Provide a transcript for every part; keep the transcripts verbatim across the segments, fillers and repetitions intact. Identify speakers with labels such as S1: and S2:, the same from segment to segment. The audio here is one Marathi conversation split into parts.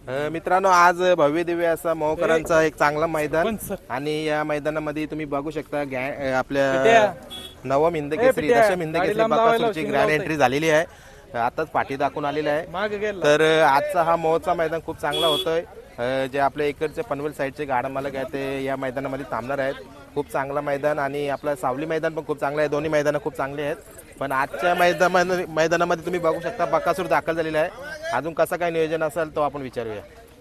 S1: अ, मित्रांनो आज भव्य दिव्य असा मोहकरांचा एक चांगला मैदान आणि या मैदानामध्ये तुम्ही बघू शकता गॅ- अ, आपल्या नवम हिंद केसरी दशम हिंद केसरी बकासूरची ग्रँड एंट्री झालेली आहे. आताच पाठी दाखवून आलेली आहे. तर अ, आजचा हा मोहचा मैदान खूप चांगला होतोय. अ, जे आपल्या इकडचे पनवेल साईडचे गाडा मालक आहेत ते या मैदानामध्ये थांबणार आहेत. खूप चांगला मैदान आणि आपलं सावली मैदान पण खूप चांगलं आहे. दोन्ही मैदानं खूप चांगली आहेत. पण आजच्या मैदानामध्ये मैदानामध्ये तुम्ही बघू शकता बकासूर दाखल झालेला आहे. अजून कसं काय नियोजन असेल तो आपण विचारूया.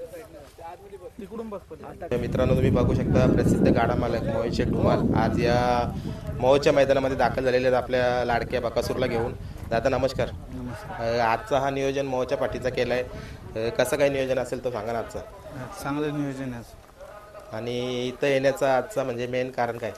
S1: मित्रांनो तुम्ही बघू शकता प्रसिद्ध गाडा मालक मोहित शेठ धुमाल आज या मोहच्या मैदानामध्ये दाखल झालेले आहेत आपल्या लाडक्या बकासूरला घेऊन. दादा नमस्कार. अ, आजचा हा नियोजन मोहच्या पाठीचा केलाय. अ, कसं काय नियोजन असेल तो सांगा ना आजचा.
S2: चांगलं नियोजन आहे.
S1: आणि इथं येण्याचा आजचा म्हणजे मेन कारण काय.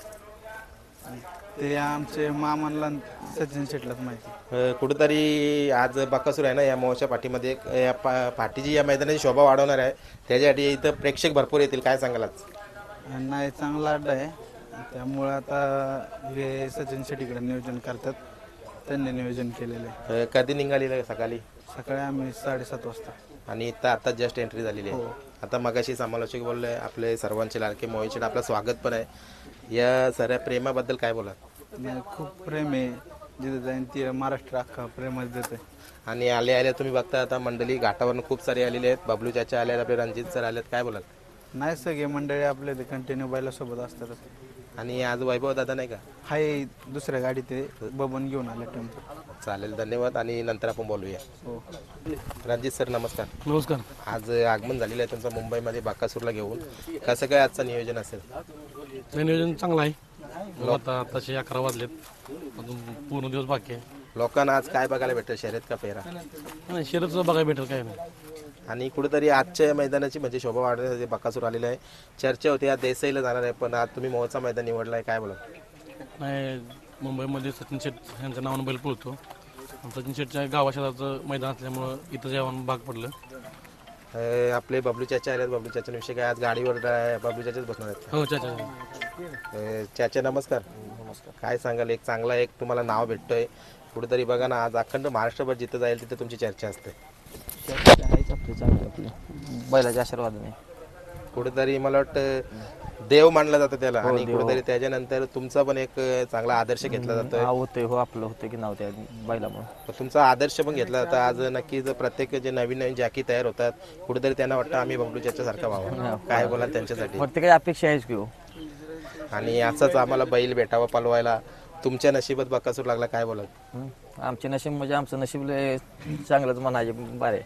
S2: ते आमचे मामांना सचिन शेटलाच माहिती.
S1: अ, कुठंतरी आज बकासूर आहे ना या मोहच्या पाठीमध्ये एक या पा पाठीची या मैदानाची शोभा वाढवणार आहे. त्याच्यासाठी इथं प्रेक्षक भरपूर येतील. काय सांगाल आज.
S2: नाही चांगला अड्डा आहे त्यामुळे आता हे सचिन शेट्टीकडे नियोजन करतात. त्यांनी नियोजन केलेलं आहे.
S1: अ, कधी निघालेलं सकाळी.
S2: सकाळी आम्ही साडेसात वाजता.
S1: आणि इथं आता जस्ट एंट्री झालेली आहे. आता मगाशी समालोचक बोलले आपले सर्वांचे लाडके मोहित शेठ आपलं स्वागत पण आहे. या साऱ्या प्रेमाबद्दल काय बोला.
S2: नाही, खूप प्रेम आहे. जिथे जाईन ती महाराष्ट्र अख्खा प्रेमच देते.
S1: आणि आले आले तुम्ही बघता आता मंडळी घाटावरून खूप सारे आलेले आहेत. बबलू चाचा आले आहेत, आपले रणजित सर आलेत. काय बोलाल.
S2: नाही सगळे मंडळी आपले ते कंटिन्यू बैलासोबत असतातच.
S1: आणि आज वैभव दादा नाही का.
S2: हाय दुसऱ्या गाडी ते बबन घेऊन आले टेम्पो.
S1: चालेल धन्यवाद आणि नंतर आपण बोलूया.
S2: हो
S1: रणजित सर नमस्कार.
S3: नमस्कार.
S1: आज आगमन झालेलं आहे तुमचं मुंबईमध्ये बाकासूरला घेऊन. कसं काय आजचं नियोजन असेल.
S3: नाही, नियोजन चांगलं आहे. मग आता आताशे अकरा वाजलेत, अजून पूर्ण दिवस बाकी आहे.
S1: लोकांना आज काय बघायला भेटेल शर्यत का पेरा.
S3: नाही, शर्यतचं बघायला भेटेल काय नाही.
S1: आणि कुठेतरी आजच्या मैदानाची म्हणजे शोभा वाढवण्यासाठी बकासूर आलेला आहे. चर्चा होती आज देसाईला जाणार आहे पण आज तुम्ही मोहचा मैदान निवडला आहे. काय बोला.
S3: नाही, मुंबईमध्ये सचिन शेट यांच्या नावानं बैल पळतो. आणि सचिन शेटच्या गावाशेजारचं मैदान असल्यामुळं इथं जेवण भाग पडलं.
S1: अ, आपले बबलू चाचा आले. बबलू चाचांविषयी काय आज गाडीवर ड्राय- बबलू चाचाच बसणार आहेत.
S3: हो चाचा.
S1: अ, चाचा नमस्कार. नमस्कार. काय सांगाल. एक चांगला एक तुम्हाला नाव भेटतोय कुठेतरी बघा ना आज अखंड महाराष्ट्रभर जिथं जाईल तिथे तुमची चर्चा असते.
S4: आहेच आपली चांगली आपली बैलाच्या आशीर्वादाने.
S1: कुठेतरी मला वाटतं देव मानला जातं त्याला आणि कुठेतरी त्याच्यानंतर तुमचा पण एक चांगला आदर्श घेतला जातोय.
S4: हा होते हो आपलं होतं की नाव त्या बैलामुळे.
S1: तर तुमचा आदर्श पण घेतला जातो. आज नक्कीच प्रत्येक जे नवीन नवीन जॅकी तयार होतात कुठेतरी त्यांना वाटतं आम्ही बबलू चाचा सारखा व्हावं. काय बोलाल त्यांच्यासाठी.
S4: प्रत्येकाची अपेक्षा आहेच की हो.
S1: आणि असंच आम्हाला बैल भेटावा पलवायला. तुमच्या नशिबात बकासूर लागला. काय बोलाल.
S4: हं. आमचे नशीब म्हणजे आमचं नशीब लय चांगलंच म्हणायचे बारे.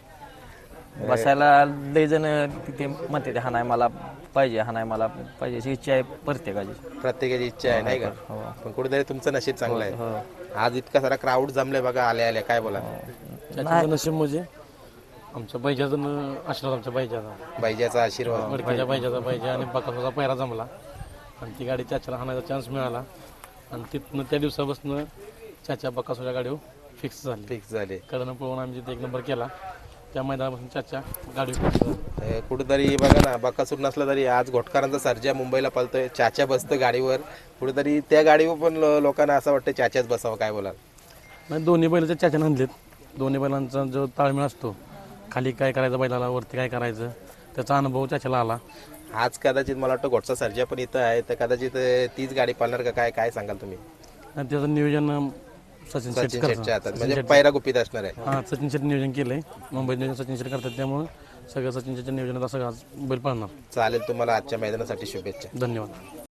S4: बसायला लय जण तिथे म्हणते हा नाही मला पाहिजे हा नाही मला पाहिजे अशी इच्छा आहे प्रत्येकाची.
S1: प्रत्येकाची इच्छा आहे नाही का.
S4: हो.
S1: पण कुठेतरी तुमचं नशीब चांगलं आहे.
S4: हो.
S1: आज इतका सारा क्राऊड जमले बघा आले आले. काय बोला.
S3: त्याचं नशीब म्हणजे आमच्या बैजाचं आशीर्वाद, आमच्या बैजाचा
S1: बैजाचा आशीर्वाद.
S3: वडक्याच्या बैजाचा बैजा आणि बकासूरचा पहिरा जमला आणि ती गाडी चाच्याला हाणायचा चान्स मिळाला. आणि तिथनं त्या दिवसापासून चाच्या बकासूरच्या गाडीवर फिक्स झाली.
S1: फिक्स झाले.
S3: कडनं पळवून आम्ही तिथे एक नंबर केला. त्या मैदानापासून चाच्या गाडीवर फिक्स झाली.
S1: अ, कुठेतरी बघा ना बकासूर नसला तरी आज घोटकरांचा सर्जा मुंबईला पळतोय. चाच्या बसतं गाडीवर. कुठेतरी त्या गाडीवर पण लो- लोकांना असं वाटतं चाच्याच बसावं. काय बोलाल.
S3: नाही, दोन्ही बैलाच्या चाच्यानं आणलेत. दोन्ही बैलांचा जो ताळमेळ असतो खाली काय करायचं बैलाला वरती काय करायचं त्याचा अनुभव चाच्याला आला.
S1: आज कदाचित मला वाटतं घोटचा सर्जा पण इथं आहे तर कदाचित अ, तीच गाडी पाळणार का काय काय सांगाल तुम्ही.
S3: आणि त्याचं नियोजन सचिन शेट
S1: सचिन शेटच्या हातात
S3: करतात.
S1: म्हणजे पैरा गुपित असणार आहे.
S3: हां, सचिन शेट नियोजन केलंय. मुंबईत नियोजन सचिन शेट करतात त्यामुळं सगळं सचिन शेटच्या नियोजनात सगळं आज बैल पाळणार.
S1: चालेल. तुम्हाला आजच्या मैदानासाठी शुभेच्छा.
S3: धन्यवाद.